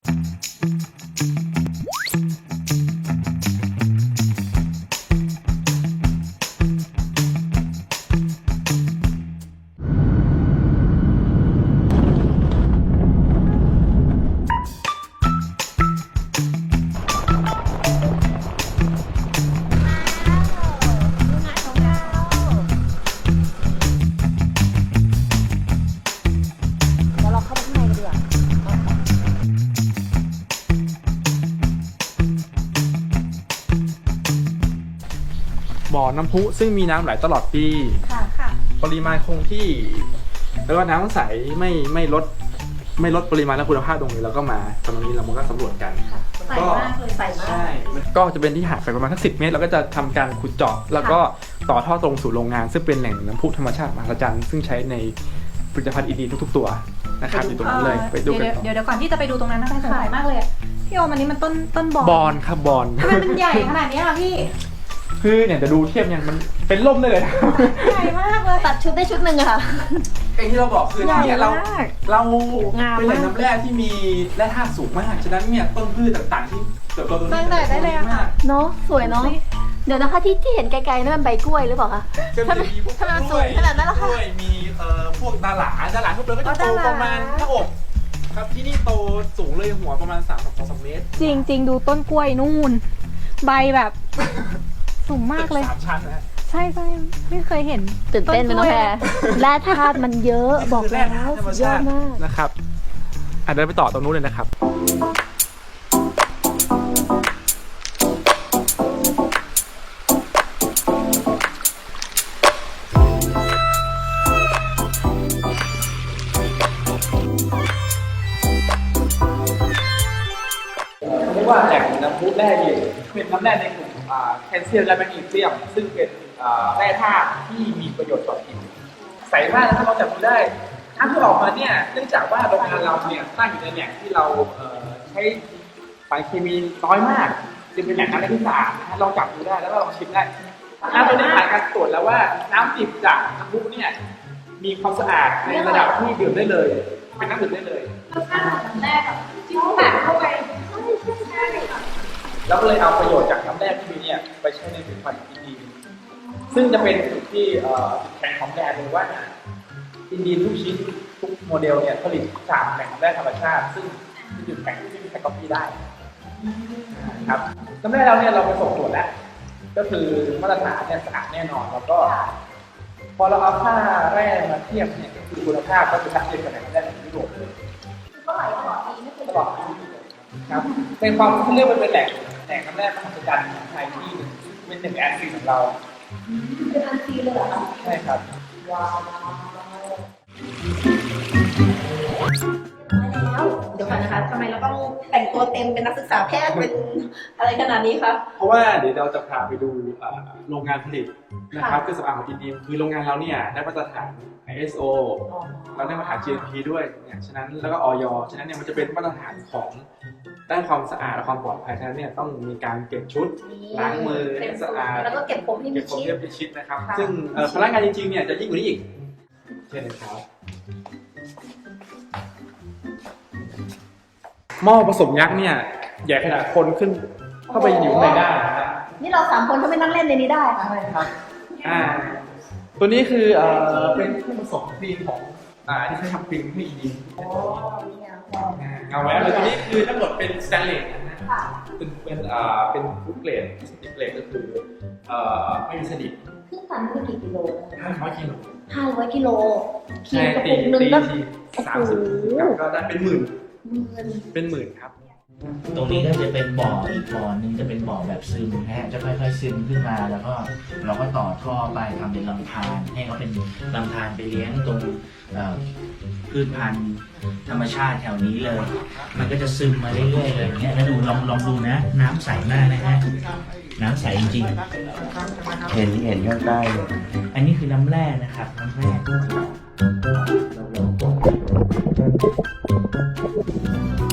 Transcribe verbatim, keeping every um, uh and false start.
บ่อน้ำพุซึ่งมีน้ำไหลตลอดปีค่ะค่ะปริมาณคงที่แล้วก็น้ำใสไม่ไม่ลดไม่ลดปริมาณและคุณภาพตรงนี้เราก็มาตรงนี้เราก็สำรวจกันใสมากเลยใสมากใช่ก็จะเป็นที่หาดไปประมาณสักสิบเมตรเราก็จะทำการขุดเจาะแล้วก็ต่อท่อตรงสู่โรงงานซึ่งเป็นแหล่งน้ำพุธรรมชาติมหัศจรรย์ซึ่งใช้ในผลิตภัณฑ์อินดีทุกๆตัวนะครับอยู่ตรงนั้นเลยไปดูกันเดี๋ยวเดี๋ยวก่อนที่จะไปดูตรงนั้นนะคะสงสัยมากเลยพี่โอมอันนี้มันต้นต้นบอนบอนครับบอนทำไมมันใหญ่ขนาดนี้ล่ะพี่คือเนี่ยจะดูเทียบเนี่ยมันเป็นล่มได้เลยใหญ่มากเลยตัดชุดได้ชุดหนึ่งอะค่ะไอ้ที่เราบอกคือเนี่ยเราเราเป็นแหล่งน้ำแร่ที่มีแร่ธาตุสูงมากฉะนั้นเนี่ยต้นพืชต่างๆที่เติบโตตรงนี้ได้เลยค่ะเนาะสวยเนาะเดี๋ยวนะคะที่ที่เห็นไกลๆนั่นมันใบกล้วยหรือเปล่าคะถ้ามันถ้ามันสูงขนาดนั้นล่ะค่ะกล้วยมีเอ่อพวกดาหลาดาหลาทุกเลยก็จะโตประมาณหน้าอกครับที่นี่โตสูงเลยหัวประมาณสามถึงสองเมตรจริงจริงดูต้นกล้วยนู่นใบแบบสูงมากเลยสามชั้นนะใช่ใช่ไม่เคยเห็นตื่นเต้นเป็นน้องแพรแร่ธาตุมันเยอะบอกแล้วสุดยอดมากนะครับอ่ะเดินไปต่อตรงนู้นเลยนะครับเรียกว่าแหล่งน้ำพุแร่เย็นเป็นน้ำแร่ในกลุ่มแคลเซียมและแมกนีเซียมซึ่งเป็นแร่ธาตุที่มีประโยชน์ต่อผิวใสมากนะครับเราจับดูได้น้ำที่ออกมาเนี่ยเนื่องจากว่าโรงงานเราเนี่ยตั้งอยู่ในแหล่งที่เราใช้สารเคมีน้อยมากจึงเป็นแหล่งน้ำที่สะอาดนะลองจับดูได้แล้วก็ลองชิมได้น้ำตัวนี้ผ่านการตรวจแล้วว่าน้ำดิบจากน้ำพุเนี่ยมีความสะอาดในระดับที่ดื่มได้เลยเป็นน้ำดื่มได้เลยรสชาติของน้ำแร่กับที่เขาแบบเข้าไปแล้วก็เลยเอาประโยชน์จากน้ำแร่ที่มีเนี่ยไปใช้ในผลิตภัณฑ์อินดีซึ่งจะเป็นจุดที่แข่งของแบรนด์เลยว่าอินดีทุกชิ้นทุกโมเดลเนี่ยผลิตจากแหล่งน้ำแร่ธรรมชาติซึ่งเป็นจุดแข่งที่ไม่มีใครก๊อปปี้ได้ครับน้ำแร่เราเนี่ยเราไปส่งตรวจแล้วก็คือมาตรฐานเนี่ยสะอาดแน่นอนแล้วก็พอเราเอาค่าแร่มาเทียบเนี่ยคือคุณภาพก็จะชัดเจนกับแหล่งน้ำแร่ในยุโรปเลยก็ไหลตลอดปีไม่เคยตลอดปีครับเป็นความที่เรียกว่าเป็นแหล่งแหล่งน้ำแร่มหัศจรรย์ของไทยที่เป็นหนึ่งแอนซีของเราเป็นอันซีเลยเหรอคะใช่ครับว้าวแล้วเดี๋ยวก่อนนะคะทำไมเราต้องแต่งตัวเต็มเป็นนักศึกษาแพทย์เป็นอะไรขนาดนี้คะเพราะว่าเดี๋ยวเราจะพาไปดูโรงงานผลิตนะครับเครื่องสำอางของอินดีคือโรงงานเราเนี่ยได้มาตรฐาน ไอ เอส โอ เราได้มาตรฐาน จี เอ็ม พี ด้วยเนี่ยฉะนั้นแล้วก็อย.ฉะนั้นเนี่ยมันจะเป็นมาตรฐานของด้านความสะอาดและความปลอดภัยฉะนั้นเนี่ยต้องมีการเก็บชุดล้างมือให้สะอาดแล้วก็เก็บผมให้มิดชิดเก็บผมให้มิดชิดนะครับซึ่งพนักงานจริงๆเนี่ยจะยิ่งกว่านี้อีกเช่นนะครับหม้อผสมยักษ์เนี่ยใหญ่ขนาดคนขึ้นเข้าไปอยู่ในได้นะครับนี่เราสามคนก็ไม่นั่งเล่นในนี้ได้ค่ะใช่ครับอ่าตัวนี้คือเอ่อเป็นเครื่องผสมครีมของอ่าที่ใช้ทำครีมให้ดีโอ้นี่ไงเอาไว้แล้วตัวนี้คือทั้งหมดเป็นสแตนเลสนะฮะเป็นเป็นอ่าเป็นฟู้ดเกรดสติกเกรดก็คือเอ่อไม่มีสนิมเครื่องปั่นคือกี่กิโลห้าร้อยกิโลห้าร้อยกิโลขีดกระปุกหนึ่งก็สามสิบก็ได้เป็นหมื่นเป็นหมื่นครับตรงนี้ก็จะเป็นบ่ออีกบ่อหนึ่งจะเป็นบ่อแบบซึมนะฮะจะค่อยๆซึมขึ้นมาแล้วก็เราก็ต่อท่อไปทำเป็นลำธารให้เขาเป็นลำธารไปเลี้ยงตรงพืชพันธุ์ธรรมชาติแถวนี้เลยมันก็จะซึมมาเรื่อยๆเลยอย่างเงี้ยถ้าดูลองลองดูนะน้ำใสมากนะฮะน้ำใสจริงเห็นเห็นข้างใต้อันนี้คือน้ำแร่นะครับน้ำแร่